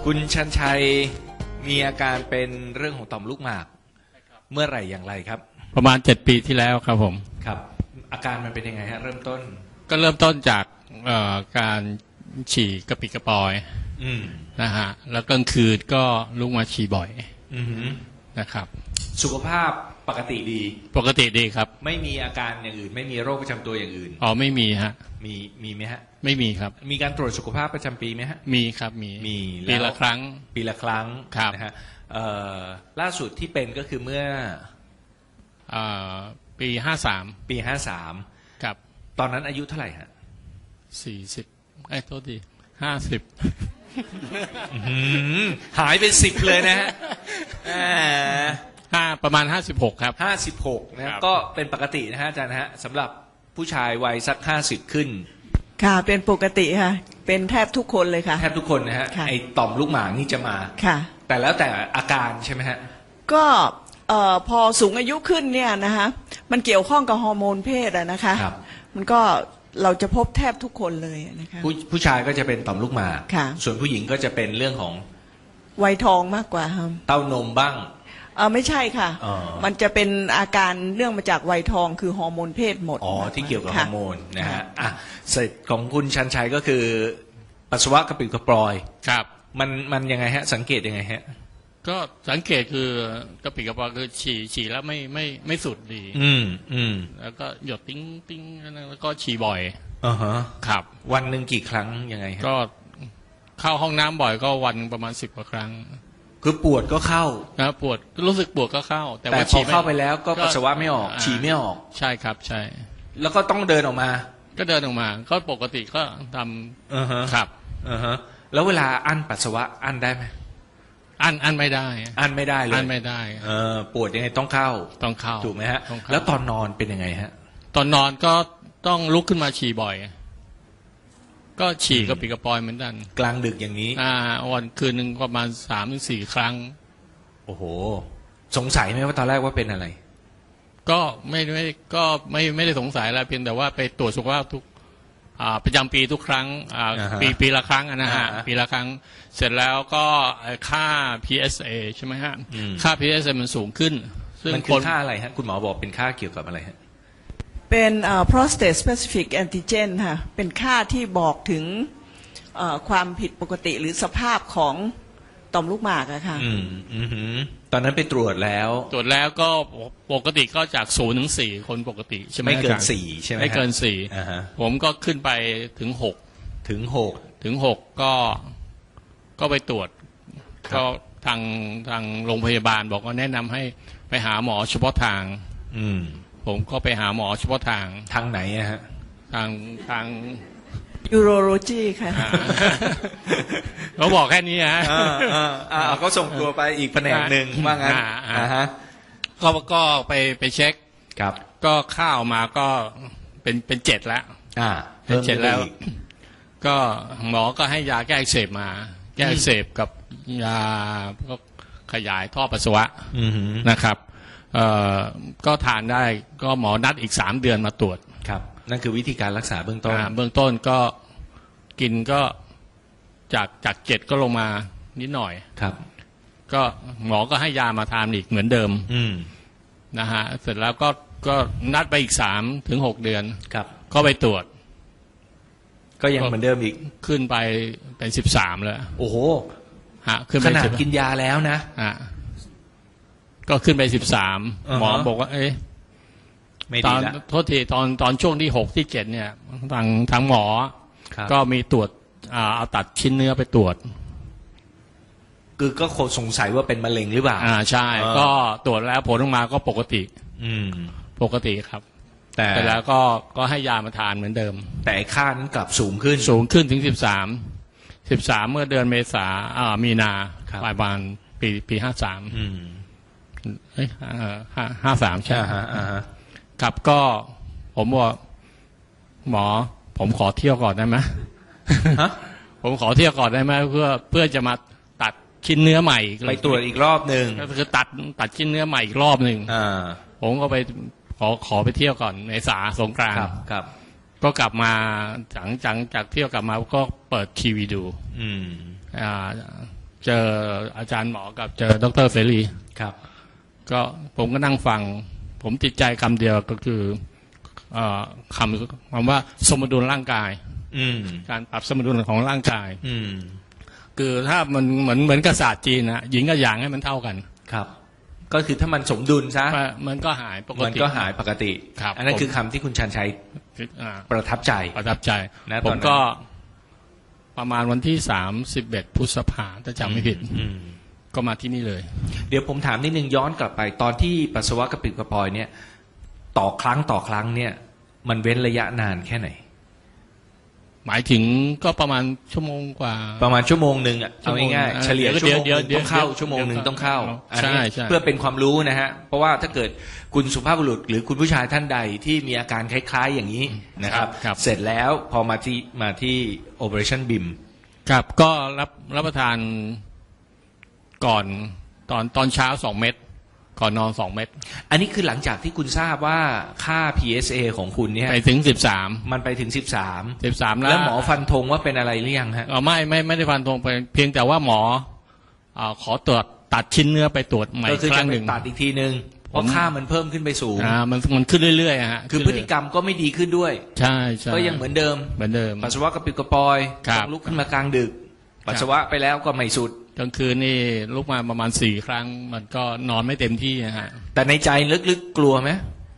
คุณชันชัยมีอาการเป็นเรื่องของต่อมลูกหมากเมื่อไหร่อย่างไรครับประมาณ7 ปีที่แล้วครับผมครับอาการมันเป็นยังไงฮะเริ่มต้นก็เริ่มต้นจากการฉี่กระปิดกระปอยนะฮะแล้วกลางคืนก็ลุกมาฉี่บ่อยนะครับสุขภาพปกติดีครับไม่มีอาการอย่างอื่นไม่มีโรคประจำตัวอย่างอื่นอ๋อไม่มีฮะมีไหมฮะไม่มีครับมีการตรวจสุขภาพประจำปีไหมฮะมีครับมีปีละครั้งครับนะฮะล่าสุดที่เป็นก็คือเมื่อปี 53 ครับตอนนั้นอายุเท่าไหร่ฮะ 40โทษที50 หายเป็น10เลยนะฮะประมาณ56ครับ 56นะก็เป็นปกตินะฮะอาจารย์นะฮะสำหรับผู้ชายวัยสัก50ขึ้นค่ะเป็นปกติค่ะเป็นแทบทุกคนเลยค่ะแทบทุกคนนะฮะไอ้ต่อมลูกหมากนี่จะมาค่ะแต่แล้วแต่อาการใช่ไหมฮะก็พอสูงอายุขึ้นเนี่ยนะคะมันเกี่ยวข้องกับฮอร์โมนเพศอะนะคะมันก็เราจะพบแทบทุกคนเลยนะคะผู้ชายก็จะเป็นต่อมลูกหมากส่วนผู้หญิงก็จะเป็นเรื่องของวัยทองมากกว่าครับเต้านมบ้างไม่ใช่ค่ะมันจะเป็นอาการเรื่องมาจากวัยทองคือฮอร์โมนเพศหมดที่เกี่ยวกับฮอร์โมนนะฮะเสร็จของคุณชันชัยก็คือปัสสาวะกระปิดกระปอยครับมันยังไงฮะสังเกตยังไงฮะก็สังเกตคือกระปิดกระปอยคือฉี่แล้วไม่สุดดีแล้วก็หยดติ้งแล้วก็ฉี่บ่อยครับวันหนึ่งกี่ครั้งยังไงฮะก็เข้าห้องน้ำบ่อยก็วันประมาณ10 กว่าครั้งคือปวดก็เข้านะปวดรู้สึกปวดก็เข้าแต่พอเข้าไปแล้วก็ปัสสาวะไม่ออกฉี่ไม่ออกใช่ครับใช่แล้วก็ต้องเดินออกมาก็ปกติก็ทำครับแล้วเวลาอั้นปัสสาวะอั้นได้ไหมอั้นไม่ได้เลยอั้นไม่ได้ปวดยังไงต้องเข้าถูกไหมฮะแล้วตอนนอนเป็นยังไงฮะตอนนอนก็ต้องลุกขึ้นมาฉี่บ่อยก็ฉี่กระปิดกระปอยเหมือนกันกลางดึกอย่างนี้วันคืนหนึ่งประมาณ3-4 ครั้งโอ้โหสงสัยไหมว่าตอนแรกว่าเป็นอะไรก็ไม่ได้สงสัยอะไรเพียงแต่ว่าไปตรวจสุขภาพทุกประจำปีทุกครั้งปีละครั้งนะฮะปีละครั้งเสร็จแล้วก็ค่า PSA ใช่ไหมฮะค่า PSA มันสูงขึ้นซึ่งมันคือค่าอะไรฮะคุณหมอบอกเป็นค่าเกี่ยวกับอะไรฮะเป็นprostate specific antigen ค่ะเป็นค่าที่บอกถึงความผิดปกติหรือสภาพของต่อมลูกหมากอะค่ะตอนนั้นไปตรวจแล้วก็ปกติก็จาก0 ถึง 4คนปกติใช่ไหมไม่เกิน4ใช่ไหมไม่เกิน4ผมก็ขึ้นไปถึง6ก็ไปตรวจก็ทางโรงพยาบาลบอกว่าแนะนำให้ไปหาหมอเฉพาะทางผมก็ไปหาหมอเฉพาะทางไหนอะฮะทาง urology ค่ะเขาบอกแค่นี้ฮะเขาส่งตัวไปอีกแผนกหนึ่งว่างั้นก็ไปเช็คครับก็ค่าออกมาก็เป็น7แล้วเป็น7แล้วก็หมอก็ให้ยาแก้อักเสบมาแก้อักเสบกับยาก็ขยายท่อปัสสาวะนะครับก็ทานได้ก็หมอนัดอีก3 เดือนมาตรวจครับนั่นคือวิธีการรักษาเบื้องต้นก็กินก็จาก7ก็ลงมานิดหน่อยครับก็หมอก็ให้ยามาทานอีกเหมือนเดิมนะฮะเสร็จแล้วก็นัดไปอีก3 ถึง 6 เดือนครับก็ไปตรวจก็ยังเหมือนเดิมอีกขึ้นไปเป็น13แล้วโอ้โหขึ้นไปขนาดกินยาแล้วนะก็ขึ้นไป13หมอบอกว่าตอนโทษทีตอนช่วงที่6 ที่ 7เนี่ยทางหมอก็มีตรวจเอาตัดชิ้นเนื้อไปตรวจคือก็สงสัยว่าเป็นมะเร็งหรือเปล่าใช่ก็ตรวจแล้วผลออกมาก็ปกติครับแต่แล้วก็ให้ยามาทานเหมือนเดิมแต่ค่านั้นกลับสูงขึ้นถึง13เมื่อเดือนเมษามีนาปลายวันปี5353ใช่ครับก็ผมบอกหมอผมขอเที่ยวก่อนได้ไหมผมขอเที่ยวก่อนได้ไหมเพื่อจะมาตัดชิ้นเนื้อใหม่ไปตรวจอีกรอบหนึ่งก็คือตัดชิ้นเนื้อใหม่อีกรอบหนึ่งผมก็ไปขอไปเที่ยวก่อนเมษาสงกรานต์ก็กลับมาหลังจากเที่ยวกลับมาก็เปิดทีวีดูเจออาจารย์หมอกับเจอดร.เสรีครับก็ผมก็นั่งฟังผมติดใจคำเดียวก็คือคำว่าสมดุลร่างกายการปรับสมดุลของร่างกายคือถ้ามันเหมือนกับศาสตร์จีนนะหญิงกับหยางให้มันเท่ากันครับก็คือถ้ามันสมดุลซะมันก็หายปกติมันก็หายปกติอันนั้นคือคำที่คุณชันชัยประทับใจนะผมก็ประมาณวันที่31 พฤษภาคมถ้าจำไม่ผิดก็มาที่นี่เลยเดี๋ยวผมถามนิดนึงย้อนกลับไปตอนที่ปัสสาวะกระปิดกระปอยเนี่ยต่อครั้งเนี่ยมันเว้นระยะนานแค่ไหนหมายถึงก็ประมาณชั่วโมงกว่าประมาณชั่วโมงนึงอ่ะเอาง่ายๆเฉลี่ยชั่วโมงต้องเข้าชั่วโมงนึงต้องเข้าใช่เพื่อเป็นความรู้นะฮะเพราะว่าถ้าเกิดคุณสุภาพบุรุษหรือคุณผู้ชายท่านใดที่มีอาการคล้ายๆอย่างนี้นะครับเสร็จแล้วพอมาที่ Operation BIM ครับก็รับประทานก่อนตอนเช้า2 เม็ดก่อนนอน2 เม็ดอันนี้คือหลังจากที่คุณทราบว่าค่า PSA ของคุณเนี่ยไปถึง13 มันไปถึง13แล้วหมอฟันธงว่าเป็นอะไรหรือยังฮะไม่ได้ฟันธงไปเพียงแต่ว่าหมอขอตรวจตัดชิ้นเนื้อไปตรวจใหม่ครั้งหนึ่งตัดอีกทีนึงเพราะค่ามันเพิ่มขึ้นไปสูงมันขึ้นเรื่อยๆฮะคือพฤติกรรมก็ไม่ดีขึ้นด้วยใช่ก็ยังเหมือนเดิมปัสสาวะกระปิดกระปอยต้องลุกขึ้นมากลางดึกปัสสาวะไปแล้วก็ไม่สุดกลางคืนนี่ลุกมาประมาณ4 ครั้งมันก็นอนไม่เต็มที่นะฮะแต่ในใจลึกๆกลัวไหม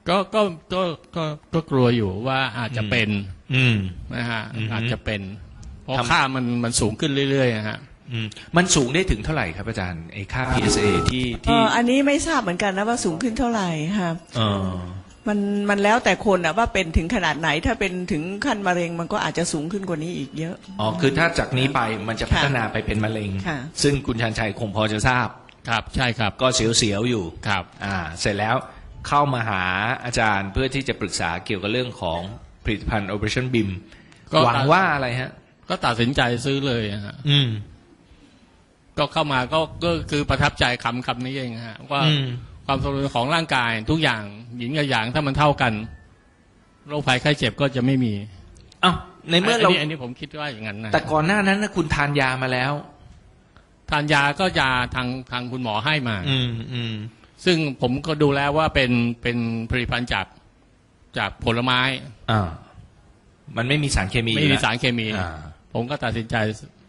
ก็กลัวอยู่ว่าอาจจะเป็นนะฮะอาจจะเป็นเพราะค่ามันสูงขึ้นเรื่อยๆนะฮะมันสูงได้ถึงเท่าไหร่ครับอาจารย์ไอ้ค่า PSA ที่อันนี้ไม่ทราบเหมือนกันนะว่าสูงขึ้นเท่าไหร่ค่ะมันแล้วแต่คนอะว่าเป็นถึงขนาดไหนถ้าเป็นถึงขั้นมะเร็งมันก็อาจจะสูงขึ้นกว่านี้อีกเยอะคือถ้าจากนี้ไปมันจะพัฒนาไปเป็นมะเร็งซึ่งคุณชันชัยคงพอจะทราบครับใช่ครับก็เสียวๆอยู่ครับเสร็จแล้วเข้ามาหาอาจารย์เพื่อที่จะปรึกษาเกี่ยวกับเรื่องของผลิตภัณฑ์ Operation BIM หวังว่าอะไรฮะก็ตัดสินใจซื้อเลยฮะก็เข้ามาก็คือประทับใจคำนี้เองฮะว่าความสมดุลของร่างกายทุกอย่างหญิงกับหยางถ้ามันเท่ากันโรคภัยไข้เจ็บก็จะไม่มีในเมื่อเราอันนี้ผมคิดว่าอย่างนั้นนะแต่ก่อนหน้านั้นนะคุณทานยามาแล้วทานยาก็ยาทางคุณหมอให้มาซึ่งผมก็ดูแล้วว่าเป็นผลิตภัณฑ์จากผลไม้มันไม่มีสารเคมีไม่มีสารเคมีผมก็ตัดสินใจ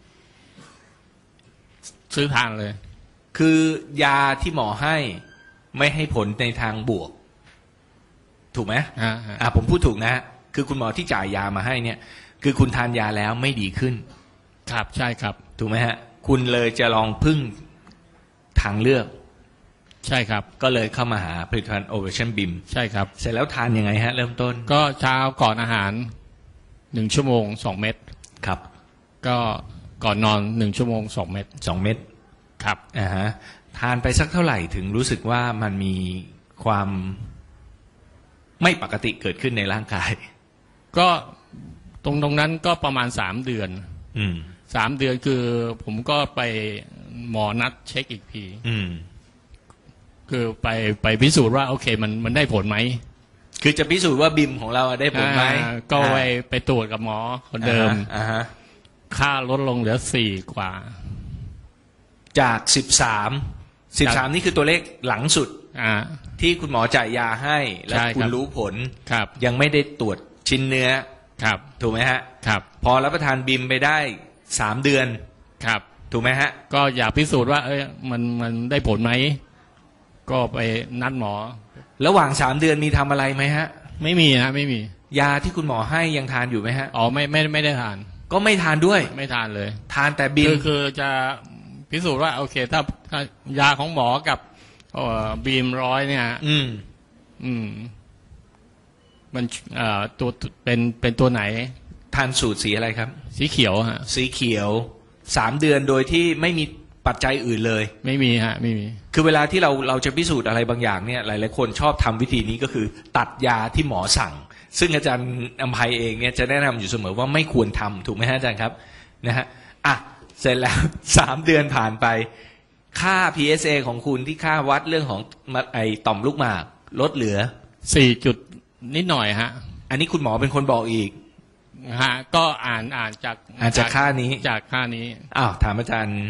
ซื้อทานเลยคือยาที่หมอให้ไม่ให้ผลในทางบวกถูกไหมผมพูดถูกนะคือคุณหมอที่จ่ายยามาให้เนี่ยคือคุณทานยาแล้วไม่ดีขึ้นครับใช่ครับถูกไหมฮะคุณเลยจะลองพึ่งทางเลือกใช่ครับก็เลยเข้ามาหาผลิตภัณฑ์ Operation BIM ใช่ครับเสร็จแล้วทานยังไงฮะเริ่มต้นก็เช้าก่อนอาหาร1 ชั่วโมง2 เม็ดครับก็ก่อนนอน1 ชั่วโมง2 เม็ด 2 เม็ดครับทานไปสักเท่าไหร่ถึงรู้สึกว่ามันมีความไม่ปกติเกิดขึ้นในร่างกายก็ตรงนั้นก็ประมาณ3 เดือน3 เดือนคือผมก็ไปหมอนัดเช็คอีกทีคือไปพิสูจน์ว่าโอเคมันได้ผลไหมคือจะพิสูจน์ว่าบิมของเราได้ผลไหมก็ไปตรวจกับหมอคนเดิมค่าลดลงเหลือ4 กว่าจาก13นี่คือตัวเลขหลังสุดที่คุณหมอจ่ายยาให้และคุณรู้ผลยังไม่ได้ตรวจชิ้นเนื้อถูกไหมฮะพอรับประทานบิมไปได้3 เดือนถูกไหมฮะก็อยากพิสูจน์ว่ามันได้ผลไหมก็ไปนัดหมอระหว่าง3 เดือนมีทำอะไรไหมฮะไม่มีฮะไม่มียาที่คุณหมอให้ยังทานอยู่ไหมฮะไม่ได้ทานก็ไม่ทานด้วยไม่ทานเลยทานแต่บิมคือจะพิสูจน์ว่าโอเคถ้ายาของหมอกับบีม100เนี่ยมันตัวเป็นตัวไหนทานสูตรสีอะไรครับสีเขียวฮะสีเขียว3 เดือนโดยที่ไม่มีปัจจัยอื่นเลยไม่มีฮะไม่มีคือเวลาที่เราจะพิสูจน์อะไรบางอย่างเนี่ยหลายๆคนชอบทำวิธีนี้ก็คือตัดยาที่หมอสั่งซึ่งอาจารย์อภัยเองเนี่ยจะแนะนำอยู่เสมอว่าไม่ควรทำถูกไหมฮะอาจารย์ครับนะฮะเสร็จแล้ว3 เดือนผ่านไปค่า PSA ของคุณที่ค่าวัดเรื่องของไอต่อมลูกหมากลดเหลือ 4 จุดนิดหน่อยฮะอันนี้คุณหมอเป็นคนบอกอีกฮะก็อ่านจากค่านี้จากค่านี้ถามอาจารย์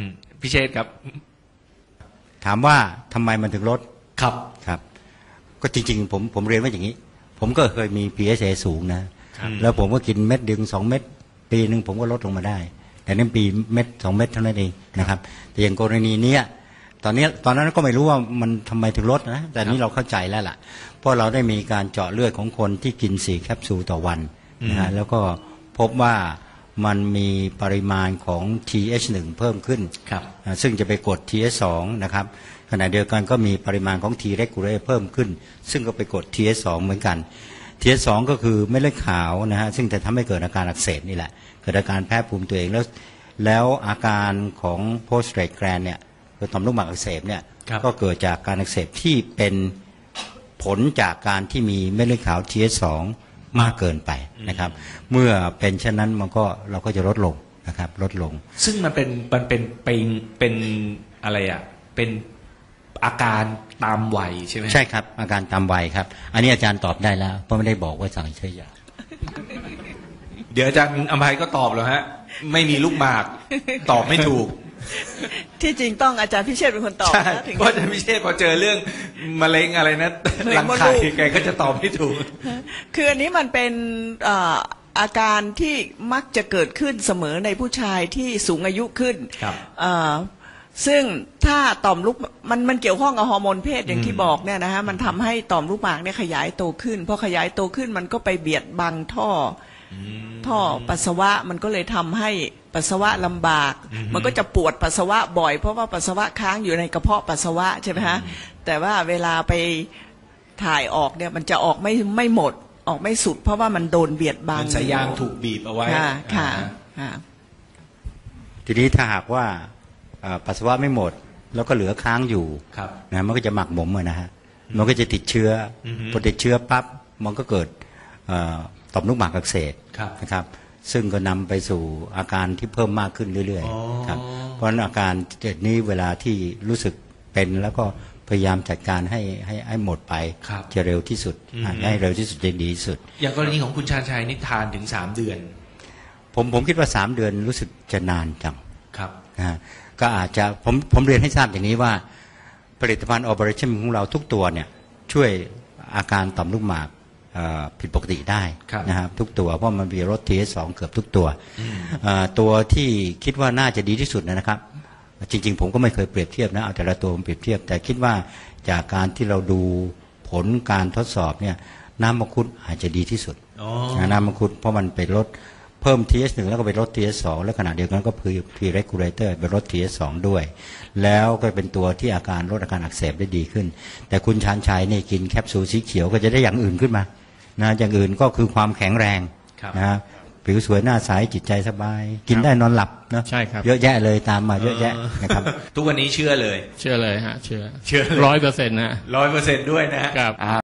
พิเชษครับถามว่าทำไมมันถึงลดครับครับก็จริงๆผมเรียนว่าอย่างนี้ผมก็เคยมี PSA สูงนะแล้วผมก็กินเม็ดดึง2 เม็ดปีนึงผมก็ลดลงมาได้แต่นี่ปีเม็ด2 เม็ดเท่านั้นเองนะครับแต่อย่างกรณีนี้ตอนนั้นก็ไม่รู้ว่ามันทำไมถึงลดนะแต่นี้เราเข้าใจแล้วล่ะเพราะเราได้มีการเจาะเลือดของคนที่กิน4 แคปซูลต่อวันนะฮะแล้วก็พบว่ามันมีปริมาณของ TH1 เพิ่มขึ้นซึ่งจะไปกด TH2 นะครับขณะเดียวกันก็มีปริมาณของ T regulator เพิ่มขึ้นซึ่งก็ไปกด TH2 เหมือนกัน TH2 ก็คือเม็ดเลือดขาวนะฮะซึ่งจะทำให้เกิดอาการอักเสบนี่แหละเกิดอาการแพ้ภูมิตัวเองแล้วอาการของ post-strate gland เนี่ยคือต่อมลูกหมากอักเสบเนี่ยก็เกิดจากการอักเสบที่เป็นผลจากการที่มีเม็ดเลือดขาว TH2 มากเกินไปนะครับเมื่อเป็นเช่นนั้นเราก็จะลดลงนะครับลดลงซึ่งมันเป็นอะไรอ่ะเป็นอาการตามวัยใช่ไหมใช่ครับอาการตามวัยครับอันนี้อาจารย์ตอบได้แล้วเพราะไม่ได้บอกว่าสั่งใช้ยาเดี๋ยวอาจารย์อภัยก็ตอบแล้วฮะไม่มีลูกหมากตอบไม่ถูกที่จริงต้องอาจารย์พิเชษเป็นคนตอบนะเพราะอาจารย์พิเชษพอเจอเรื่องมะเร็งอะไรนะรังไข่แกก็จะตอบไม่ถูกคืออันนี้มันเป็นอาการที่มักจะเกิดขึ้นเสมอในผู้ชายที่สูงอายุขึ้นซึ่งถ้าต่อมลูกมันเกี่ยวข้องกับฮอร์โมนเพศอย่างที่บอกเนี่ยนะฮะมันทำให้ต่อมลูกหมากเนี่ยขยายโตขึ้นพอขยายโตขึ้นมันก็ไปเบียดบังท่อปัสสาวะมันก็เลยทำให้ปัสสาวะลำบากมันก็จะปวดปัสสาวะบ่อยเพราะว่าปัสสาวะค้างอยู่ในกระเพาะปัสสาวะใช่ไหมฮะแต่ว่าเวลาไปถ่ายออกเนี่ยมันจะออกไม่หมดออกไม่สุดเพราะว่ามันโดนเบียดบังสายยางถูกบีบเอาไว้ค่ะทีนี้ถ้าหากว่าปัสสาวะไม่หมดแล้วก็เหลือค้างอยู่นะมันก็จะหมักหมมนะฮะมันก็จะติดเชื้อพอติดเชื้อปั๊บมันก็เกิดต่อมลูกหมากอักเสบนะครับซึ่งก็นำไปสู่อาการที่เพิ่มมากขึ้นเรื่อยๆครับเพราะฉะนั้นอาการนี้เวลาที่รู้สึกเป็นแล้วก็พยายามจัดการให้หมดไปจะเร็วที่สุดให้เร็วที่สุดจะดีที่สุดอย่างกรณีของคุณชาญชัยนี่ทานถึง3 เดือนผมคิดว่า3 เดือนรู้สึกจะนานจังครับนะก็อาจจะผมเรียนให้ทราบอย่างนี้ว่าผลิตภัณฑ์ Operation ของเราทุกตัวเนี่ยช่วยอาการต่อมลูกหมากผิดปกติได้นะครับทุกตัวเพราะมันมีลด TH2 เกือบทุกตัวตัวที่คิดว่าน่าจะดีที่สุดนะครับจริงๆผมก็ไม่เคยเปรียบเทียบนะเอาแต่ละตัวมาเปรียบเทียบแต่คิดว่าจากการที่เราดูผลการทดสอบเนี่ยน้ำมังคุดอาจจะดีที่สุดน้ำมังคุดเพราะมันไปลดเพิ่ม TH1 แล้วก็ไปลด TH2 แล้วขณะเดียวกันก็คือ T regulator ไปลด TH2 ด้วยแล้วก็เป็นตัวที่ลดอาการอักเสบได้ดีขึ้นแต่คุณชาญชัยนี่กินแคปซูลสีเขียวก็จะได้อย่างอื่นขึ้นมานะอย่างอื่นก็คือความแข็งแรงนะผิวสวยหน้าใสจิตใจสบายกินได้นอนหลับนะใช่ครับเยอะแยะเลยตามมาเยอะแยะนะครับทุกวันนี้เชื่อเลยฮะเชื่อ100%นะ 100%ด้วยนะครับ